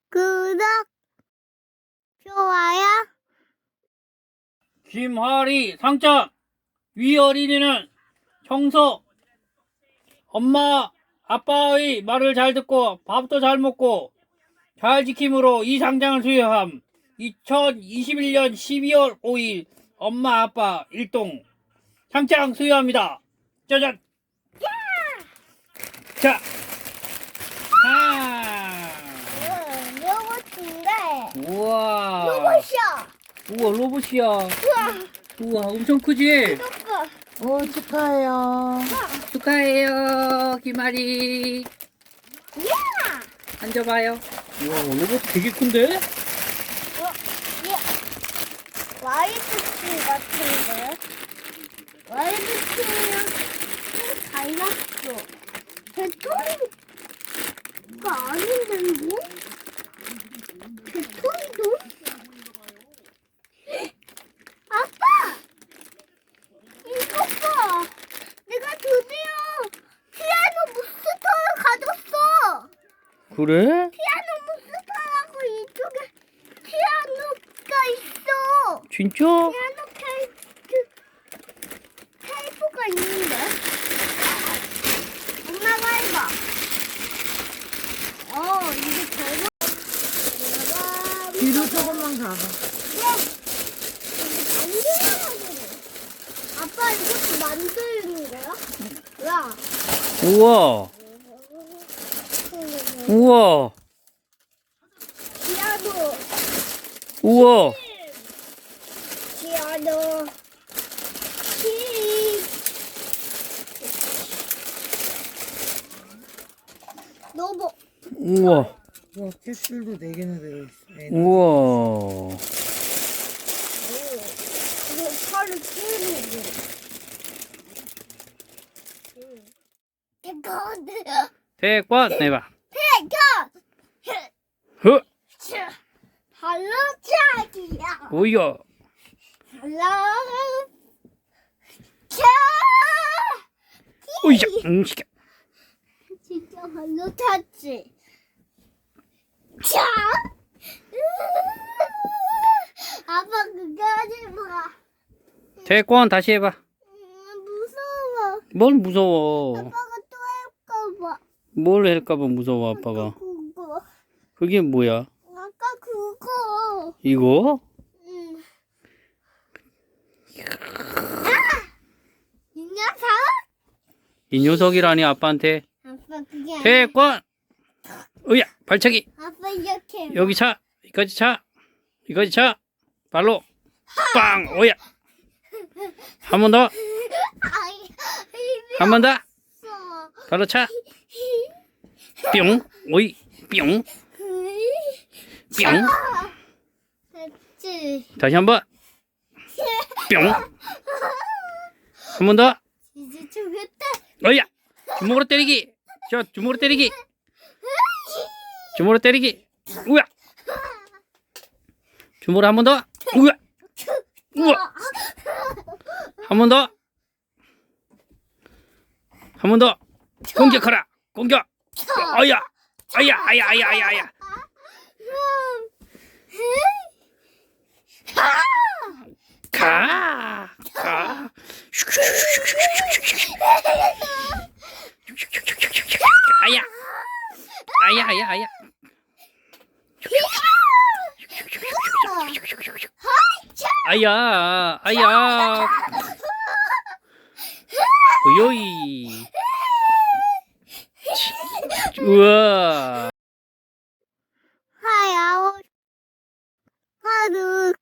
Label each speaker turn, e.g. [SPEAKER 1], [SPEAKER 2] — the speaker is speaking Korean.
[SPEAKER 1] 구독, 좋아요.
[SPEAKER 2] 김하리 상장. 위 어린이는 청소. 엄마 아빠의 말을 잘 듣고 밥도 잘 먹고 잘 지킴으로 이 상장을 수여함. 2021년 12월 5일 엄마 아빠 일동 상장 수여합니다. 짜잔. 자,
[SPEAKER 1] 로봇인데.
[SPEAKER 2] 우와.
[SPEAKER 1] 로봇이야.
[SPEAKER 2] 우와, 로봇이야.
[SPEAKER 1] 우와.
[SPEAKER 2] 우와, 엄청 크지?
[SPEAKER 1] 이거
[SPEAKER 3] 축하해요.
[SPEAKER 2] 축하해요, 김아리.
[SPEAKER 1] 야.
[SPEAKER 2] 앉아봐요. 우와, 로봇 되게 큰데?
[SPEAKER 1] 와이드키 같은데. 와이드키랑 좀 달랐어. 배터리가 아닌데 뭐? 배터리도? 아빠! 이거 봐! 내가 드디어 피아노 몬스터를 가졌어!
[SPEAKER 2] 그래?
[SPEAKER 1] 피아노 몬스터라고 이쪽에 피아노가 있어!
[SPEAKER 2] 진짜?
[SPEAKER 1] 피아노 테이프가 있는데? 엄마가 해봐. 이게 저거.
[SPEAKER 3] 뒤로 조금만 가봐.
[SPEAKER 1] 아빠 이것도 만드는 거야? 야.
[SPEAKER 2] 우와, 우와,
[SPEAKER 1] 피아노.
[SPEAKER 2] 우와.
[SPEAKER 1] 피아노. 로봇.
[SPEAKER 2] 우와,
[SPEAKER 3] 와, 캡슐도 4개나 들어있어.
[SPEAKER 2] 우와.
[SPEAKER 1] 이거 팔을 끼우는 거. 이거
[SPEAKER 2] 태권 해봐.
[SPEAKER 1] 태권.
[SPEAKER 2] 허,
[SPEAKER 1] 발로 차기야.
[SPEAKER 2] 오야.
[SPEAKER 1] 발로 차.
[SPEAKER 2] 오이자. 시켜.
[SPEAKER 1] 진짜 발로 찼지. 차. 아빠 그거 하지 마.
[SPEAKER 2] 태권 다시 해봐.
[SPEAKER 1] 무서워.
[SPEAKER 2] 뭘 무서워?
[SPEAKER 1] 아빠가 또 할까봐.
[SPEAKER 2] 뭘 할까봐 무서워 아빠가.
[SPEAKER 1] 그거.
[SPEAKER 2] 그게 뭐야?
[SPEAKER 1] 아까 그거.
[SPEAKER 2] 이거?
[SPEAKER 1] 응. 이 녀석?
[SPEAKER 2] 이 녀석이라니 아빠한테.
[SPEAKER 1] 아빠 그게 아니야.
[SPEAKER 2] 태권. 으야, 발차기.
[SPEAKER 1] 아빠 이렇게 해봐.
[SPEAKER 2] 여기 차. 이까지 차. 이까지 차. 발로. 빵. 오야. 한 번 더.
[SPEAKER 1] 아이,
[SPEAKER 2] 한 번 더.
[SPEAKER 1] 무서워.
[SPEAKER 2] 발로 차. 뿅. 오이. 뿅. 뿅.
[SPEAKER 1] 됐지.
[SPEAKER 2] 다시 한 번. 뿅. 한 번 더.
[SPEAKER 1] 이제 죽겠다.
[SPEAKER 2] 어이야. 주먹으로 때리기. 저 주먹으로 때리기. 주먹으로 때리기. 우야. 주먹으로 한 번 더. 우야. 우와. 한 번 더. 한 번 더. 공격하라. 공격. 아야. 아야. 아야. 아야. 아야. 아야. 가. 가. 아야. 아야. 아야. 아야. 아야. 아야. 오요이. 우와.
[SPEAKER 1] 하야. 하루